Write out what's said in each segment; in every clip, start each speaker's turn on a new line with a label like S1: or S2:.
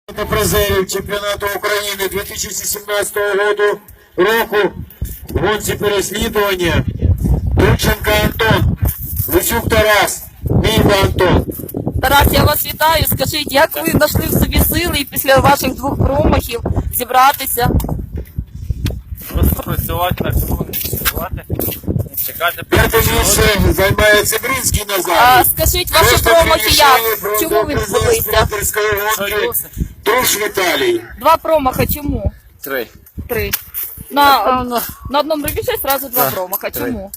S1: Та призерів чемпіонату України 2017 року в гонці переслідування Турченко Антон, Лисюк Тарас, Мійда Антон.
S2: Тарас, я вас вітаю. Скажіть, як ви знайшли в собі сили і після ваших двох промахів зібратися?
S3: Просто працювати на цьому, не працювати, не чекати.
S1: П'яте місце займає Цибринський
S2: А
S1: Назар.
S2: скажіть, ваші промахи як? Чому ви відбулися?
S3: Союз.
S1: Труш Віталій.
S2: Два промаха, чому?
S3: 3.
S2: Три. На одному рубежі одразу два промаха.
S3: три.
S2: Чому?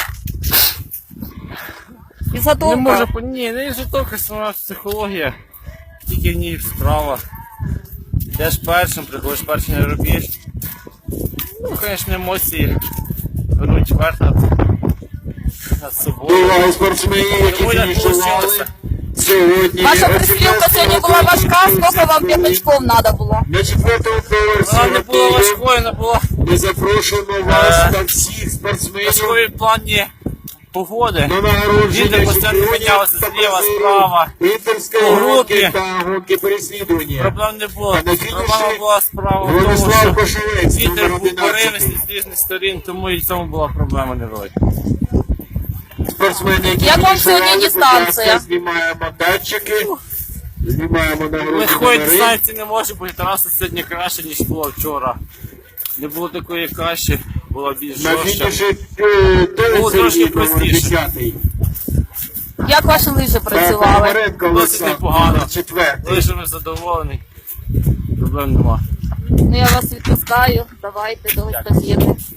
S3: Не
S2: Підготовка.
S3: можу, ні, не житовка, сама психологія. Тільки в ній справа. Йдеш першим, приходиш перший на рубіж. Ну, звісно, емоції беруть верх над собою.
S1: Увагу спортсменів, які
S3: Тому як
S1: фінішували
S3: вийшло.
S1: сьогодні.
S2: Ваша пристрілка сьогодні була важка, скільки вам п'ятачков треба було?
S1: На четвертому поверсі
S3: Вона не була
S1: готелю
S3: важкою, вона була
S1: ми запрошуємо вас та всіх спортсменів
S3: важкою в плані погоди.
S1: на нагородження
S3: Вітер постійно
S1: чемпіонів
S3: мінявся
S1: та
S3: зліва,
S1: призерів
S3: справа.
S1: Інтерської
S3: По
S1: гонки
S3: групі.
S1: та гонки переслідування.
S3: Проблем не було.
S1: А на фініші
S3: Проблема була справа в тому,
S1: Владислав
S3: що
S1: Кошелець,
S3: вітер
S1: номер
S3: був
S1: 11.
S3: поривистий з різних сторін, тому і в цьому була проблема невелика.
S1: Спортсмени, які
S2: Як вам
S1: фінішували,
S2: сьогодні
S1: будь ласка,
S2: дистанція?
S1: знімаємо датчики, знімаємо нагородження
S3: Легкої
S1: на ринг.
S3: дистанції не може бути, Тараса сьогодні краще, ніж було вчора. Не було такої каші, була більш
S1: На
S3: жорстча.
S1: фініші
S3: Було трошки простіше.
S1: 10-й.
S2: Як ваші лижі працювали?
S1: Пономаренко
S3: Досить
S1: Олександр,
S3: непогано.
S1: 4-й.
S3: Лишимо задоволений. Проблем нема.
S2: Ну я вас відпускаю. Давайте до естафети.